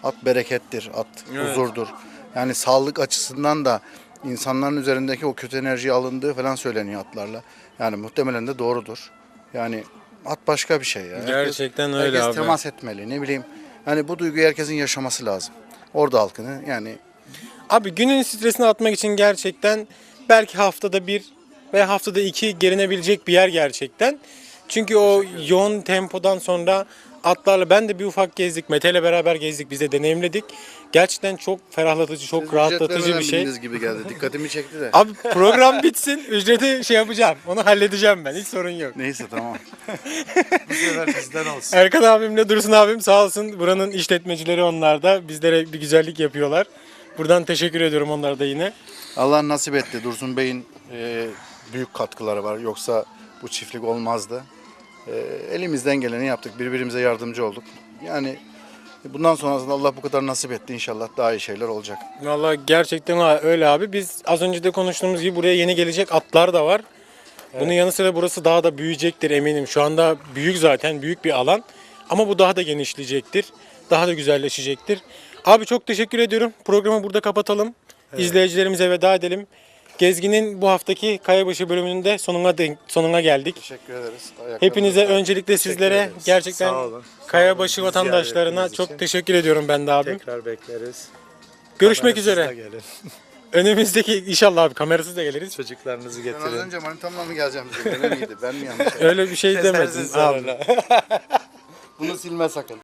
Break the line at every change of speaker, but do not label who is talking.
At berekettir, at
Evet.
huzurdur. Yani sağlık açısından da insanların üzerindeki o kötü enerji alındığı falan söyleniyor atlarla. Yani muhtemelen de doğrudur. Yani at başka bir şey ya.
Gerçekten öyle
herkes
abi.
temas etmeli, ne bileyim. Yani bu duyguyu herkesin yaşaması lazım. Orada halkını yani
Abi günün stresini atmak için gerçekten belki haftada bir veya haftada iki gelinebilecek bir yer gerçekten. Çünkü o yoğun tempodan sonra atlarla ben de bir ufak gezdik. Mete ile beraber gezdik. Biz de deneyimledik. Gerçekten çok ferahlatıcı, çok
siz
rahatlatıcı
ücretlemeden
bir şey.
bindiniz gibi geldi. Dikkatimi çekti de.
Abi program bitsin. Ücreti şey yapacağım. Onu halledeceğim ben. Hiç sorun yok.
Neyse tamam.
Bu sefer bizden olsun.
Erkan abimle Dursun abim sağ olsun. Buranın işletmecileri onlar da. Bizlere bir güzellik yapıyorlar. Buradan teşekkür ediyorum onlara da yine.
Allah nasip etti. Dursun Bey'in büyük katkıları var. Yoksa bu çiftlik olmazdı. Elimizden geleni yaptık. Birbirimize yardımcı olduk. Yani bundan sonrasında Allah bu kadar nasip etti. İnşallah daha iyi şeyler olacak.
Vallahi gerçekten öyle abi. Biz az önce de konuştuğumuz gibi buraya yeni gelecek atlar da var. Bunun yanı sıra burası daha da büyüyecektir eminim. Şu anda büyük zaten, büyük bir alan. Ama bu daha da genişleyecektir. Daha da güzelleşecektir. Abi çok teşekkür ediyorum. Programı burada kapatalım. İzleyicilerimize veda edelim. Gezgin'in bu haftaki Kayabaşı bölümünde sonuna geldik.
Teşekkür ederiz.
Hepinize öncelikle sizlere
ederiz.
gerçekten
Sağ olun.
Kayabaşı vatandaşlarına
Ziyaretiniz
çok
için.
teşekkür ediyorum ben de abim.
Tekrar bekleriz.
Görüşmek
Kamerasız da
üzere.
gelin.
Önümüzdeki inşallah abi kamerasız da geliriz.
Çocuklarınızı
Ben az
getirin.
önce manitamla mı geleceğim size? Öyle miydi? Ben mi yanlış?
Öyle bir şey demedim
Kesersiniz
abi.
sonra.
Bunu silme sakın.